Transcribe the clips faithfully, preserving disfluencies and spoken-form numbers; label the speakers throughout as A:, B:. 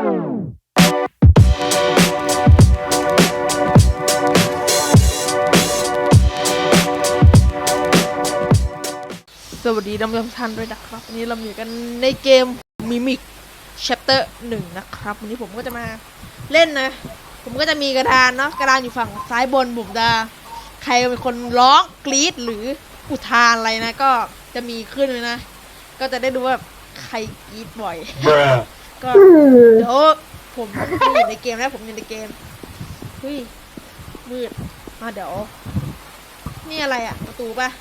A: สวัสดีท่านผู้ชมท่านด้วยนะครับวันนี้เราอยู่กันในเกม Mimic Chapter หนึ่งนะครับวันนี้ผมก็จะมาเล่นนะผมก็จะมีกระดานเนาะกระดานอยู่ฝั่งซ้ายบนผมจะใครเป็นคนร้องกรี๊ดหรืออุทานอะไรนะก็จะมีขึ้นเลยนะก็จะได้ดูว่าใครกรี๊ดบ่อย ก็เดี๋ยวผมอยู่ในเกมแล้วผมอยู่ในเกมเฮ้ยมืดมาเดี๋ยวนี่อะไรอะประตูปะ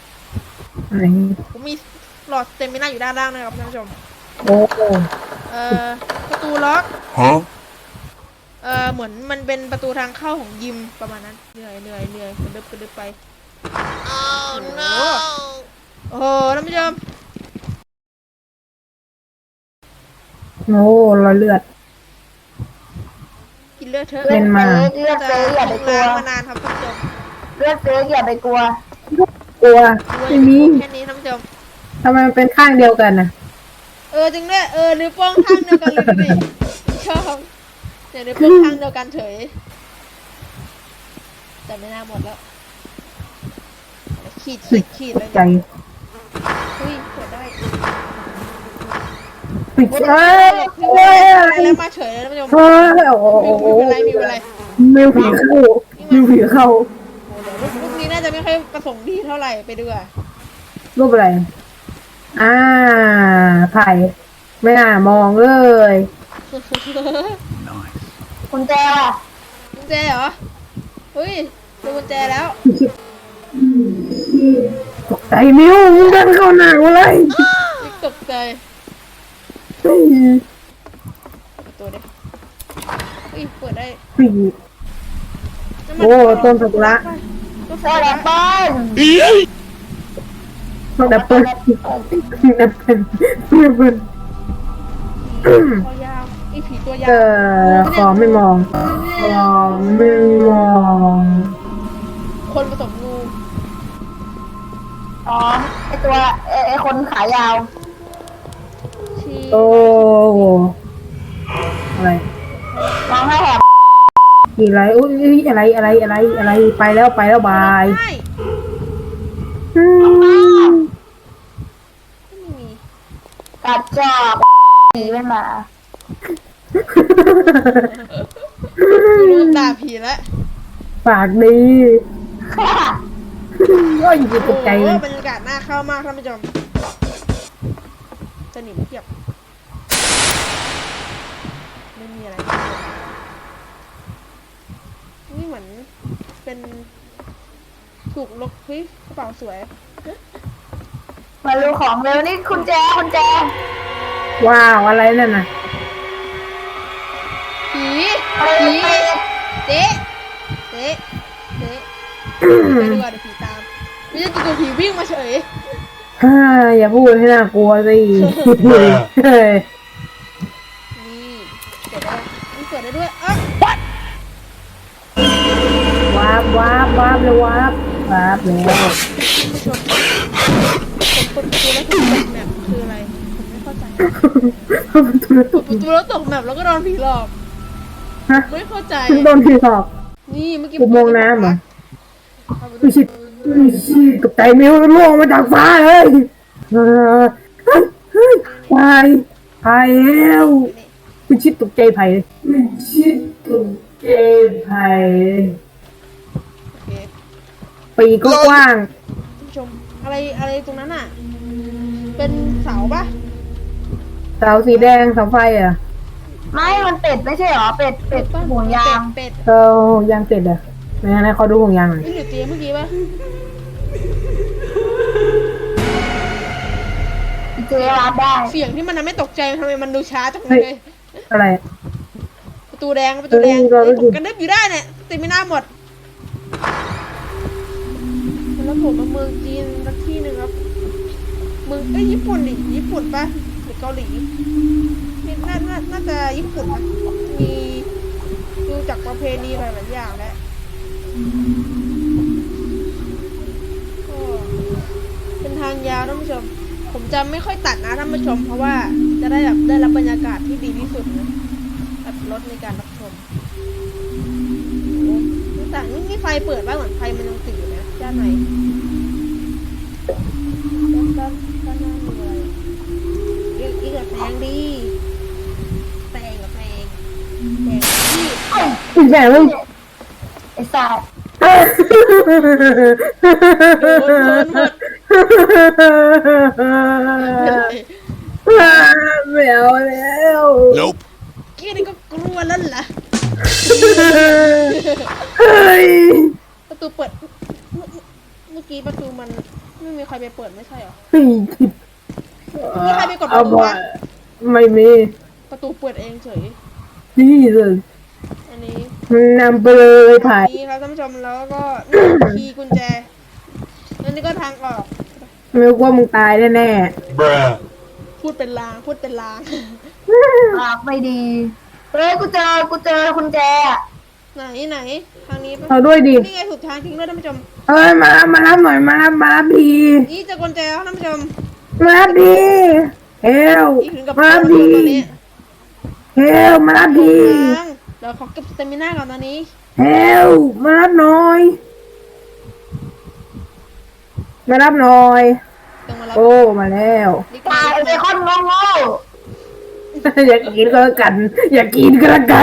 A: ผมมีหลอดเต็มไม่น่าอยู่ด้านล่างนะครับท่านผู้ชมโอ้เอ่อประตูล็อกฮะเอ่อเหมือนมันเป็นประตูทางเข้าของยิมประมาณนั้นเหนื่อยเหนื่อยเหนื่อยกระดึบกระดึบไปโอ้ no โอ้โหท่านผู้ชม
B: โอ้รอยเลือด
A: กินเลือดเถอะ
B: เป็นมา
C: เลือดเฟ้อย่าไปกลัว
A: มานานครับท่านผู้ชม
C: เลือดเฟ้อย่าไปกลัว
B: กลัวไม่มี
A: แค่นี้ท่านผู้ชม
B: ทำไมมันเป็นข้างเดียวกันนะ
A: เออจริงด้วยเออนิ้วโป้งข้างเดียวกันเลยดิชอบเนี่ยนิ้วโป้งข้างเดียวกันเฉยแต่ไม่น่าหมดแล้วขีดขีดขีดเลย
B: ใจ
A: เฮ้ยเปิดได้
B: ปิดเอ้ย
A: เอ้ยแล้วมาเฉยเลยท่านผู้ชม
B: เฮ้ยโอ้โห
A: มีอะไรมีอะไร
B: มิวผีเข้ามิวผีเข้า
A: ลูกนี้น่าจะไม่ค่อยประสงค์ดีเท่าไหร่ไปดูอ่ะ
B: รูปอะไรอ่าไผ่ไม่น่ามองเลย
C: กุญแจอ่ะ
A: กุญแจเหรอเฮ้ยดูกุญแจแล้ว
B: ตกใจมิวมึงเดินเข้าหนักเลย
A: ตกใจตัวเด็กเฮ้ยเปิดได้
B: โอ้ต้นสักุระ
C: ต้นแอปเปิ้ล
B: ต้นแอปเปิ้ลแอปเปิ้ลแอปเปิ้ล
A: คอยาวไอผีตัวยาว
B: เออขอไม่มองขอไม่มอง
A: คนผสมงู
C: อ๋อไอตัวไอคนขายาว
B: โอ้อะไร
C: ร้องให้แหบ
B: กี่ไรอุ้ยอะไรอะไรอะไรอะไรไปแล้วไปแล้วบาย
C: กัดจอบผีเป็นหมา
A: รู้ด่าผีแล้ว
B: ปากดีก็อยู่ตกใจเลย
A: บรรยากาศน่าเข้ามากท่านผู้ชมสนิมเทียบไม่มีอะไรนี่เหมือนเป็นถูกลบเฮ้ยกระเป๋าสวย
C: มาดูของเร็วนี่คุณแจคุณแจ
B: ว้าวอะไรนั่นน่ะ
A: ผีผีเจ๊เจ๊เจ๊ไปดูอ่ะเดี๋ยวผีตามไม่ใช่ตัวผีวิ่งมาเฉย
B: ฮ่าอย่าพูดให้น่ากลัวสินี่เปิดได้
A: นี่เปิดได้ด้วยอ่ะ
B: วาบวาบวาบเลยวาบวาบแล้ว
A: ผู้ชมผมเปิดประตูแล้วตกแมปคืออะไรผมไม่เข้าใจเปิดประตูแล้วตกแมปแล้วก็โดนผีหลอกไม่เข้าใจ
B: โดนผีหลอก
A: นี่เมื่อกี้
B: ผมมองน้ำเหรอไม่ใช่ไม่ใช่กับใจมิวล่วงมาจากฟ้าเลยเฮ้ยไผ่ไผ่แล้วไม่ชิดตกใจไผ่เลยไม่ชิดตกใจไผ่ปีก็กว้าง
A: ผู้ชมอะไรอะไรตรงนั้นอ่ะเป็นเสาปะ
B: เสาสีแดงเสาไฟอ่ะ
C: ไม่มันเป็ดไม่ใช่หรอเป็ดเป็ดห่วงยาง
A: เป็ด
B: เออยางเป็ดอ่ะไม่งั้นเขาดูห่วงยางหน่อย
A: นี่อยู่เตียงเมื่อกี้ปะ
C: เจ๊รับได้
A: เสียงที่มันทำให้ตกใจทำไมมันดูช้าจังเลย
B: อะไร
A: ประตูแดงประตูแดงผมกันดึบอยู่ได้เนี่ยติดไม่น่าหมดแล้วผมมาเมืองจีนสักที่หนึ่งครับเมืองเอ้ยญี่ปุ่นดิญี่ปุ่นปะหรือเกาหลีนี่น่าน่าน่าจะญี่ปุ่นนะมีดูจากประเพณีหลายๆอย่างแล้วก็เป็นทางยาวท่านผู้ชมผมจะไม่ค่อยตัดนะท่านผู้ชมเพราะว่าจะได้แบบได้รับบรรยากาศที่ดีที่สุดนะอัดรถในการรับชมโอ้แต่นี่มีไฟเปิดบ้างเหมือนไฟมันยังติดอยู่นะด้านในด้านด้านด้านหน้ามีอะไรอีกอีกกับแสงดีแสงกับแสงแสงดี
B: อีแม่มึง
C: ไอ้สัตว์
A: โดนโดนหมด
B: ไม่เอาแล้ว
D: Nope.
A: เกี้นี่ก็กลัวแล้วเหรอ
B: เฮ้ย
A: ประตูเปิดเมื่อเมื่อกี้ประตูมันไม่มีใครไปเปิดไม่ใช่เหรอ
B: เฮ้ย
A: มีใครไปกดป
B: เอา
A: ระตู
B: บ่
A: ไหม
B: ไม่มี
A: ประตูเปิดเองเฉย
B: นี่เลย
A: อันนี้
B: นำไปเลยถ่าย
A: นี่ครับท่านผู้ชมแล้วก็นี่คีย์กุญแจแล้วนี่ก็ทางออก
B: ไม่รู้ว่ามึงตายแน่
D: Bruh.
A: พูดเป็นลางพูดเป็นลาง
C: ปากไม่ดีเฮ้ยกูเจอกูเจอคุณแจอะ
A: ไหนไหนทางนี้ปะ
B: ๆเอาด้วยดิ
A: นี่ไงถูกทางทิ้งด้วยท่านผู้ชม
B: เอ้ยมารับมารับหน่อยมารับมารับดี
A: นี่เจอกุญแจแล้วท่านผู้ชม
B: มารับดีเฮล
A: อีกถึงกับ
B: มารับ
A: โด
B: ดี
A: นตอนนี้
B: เฮลมารับดี
A: ทางเดี๋ยวขอเก็บสเตมิน่าก่อนตอนนี้
B: เฮลมารับหน่อย มารับหน่อย
A: ต้องมารับ
B: โอ้มาแล้ว
A: นี่ก็
C: ตายไอ้เบคอนงงโง่
B: อยากกินก็แล้วกัน อยากกินก็แล้วกัน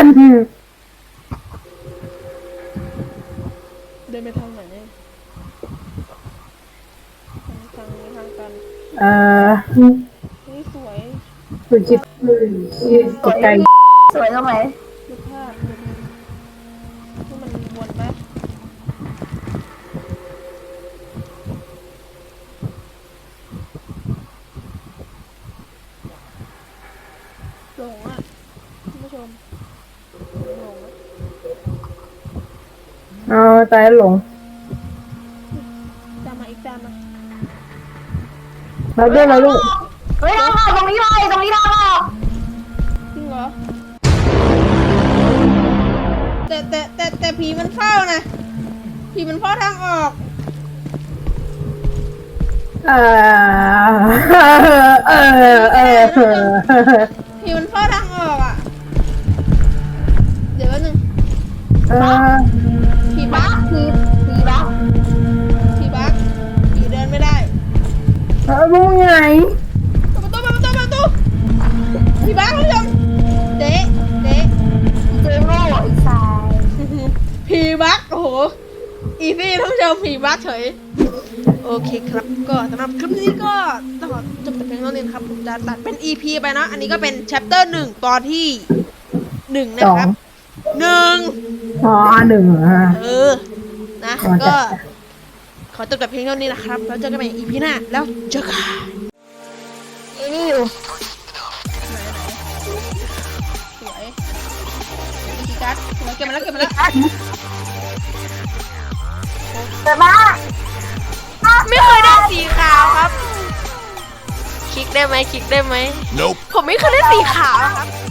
A: เดินไปทางไหนเนี่ยทางทางนี้ทางกัน
B: เอ่อ
A: นี่สวย
B: คุณคิดตกใจ
C: สวยตรงไหน
A: รูปภาพที่มันวนไหมหลงอ่ะท่านผู้ชมหลงอ่ะ
B: เอาตายหลง
A: ตามมาอีกตามมา
B: เราด้วยเราลูก
C: เฮ้ยทางออกตรงนี้เลยตรงนี้ทางออก
A: จริงเหรอแต่แต่แต่แต่ผีมันเฝ้านะผีมันเฝ้าทางออก
B: เออเออเออ
A: ผีมันเฝ้าทางออกอ่ะเดี๋ยวแป๊บนึง
B: เออ
A: ผี
C: บั
A: บั
C: ก
A: ก
C: ทีทีบัก
A: ผีบักผีเดินไม่ได้
B: เออมึงไง
A: เปิดประตูเปิดประตูเปิดประตูผีบักท่านผู้ชมเด๊ะเด๊ะ
C: เจอโง่ไอ้สาย
A: ผีบักโอ้โหอีซี่ท่านผู้ชมผีบักเฉยโอเคครับก็สำหรับคลิปนี้ก็ต้องขอจบแต่เพียงเท่านี้นะครับผมจะตัดเป็น อี พี ไปนะอันนี้ก็เป็น chapter หนึ่งตอนที่หนึ่งนะครับหนึ่ง
B: อ๋อหนึ่งอ่ะ
A: เออ นะ
B: ขอจัด
A: ก็ ขอจบแต่เพียงเท่านี้นะครับ แล้วเจอกันใหม่ อี พี หน้า แล้วเจอกัน
C: ไอ้นี่อยู่
A: สวยกีการ์ดสวยเก็บมาแล้วเก็บมาแล้ว
C: แต่บ้า
A: ไม่เคยได้สีขาวครับ คลิกได้ไหมคลิกได้ไหม
D: Nope.
A: ผมไม่เคยได้สีขาวครับ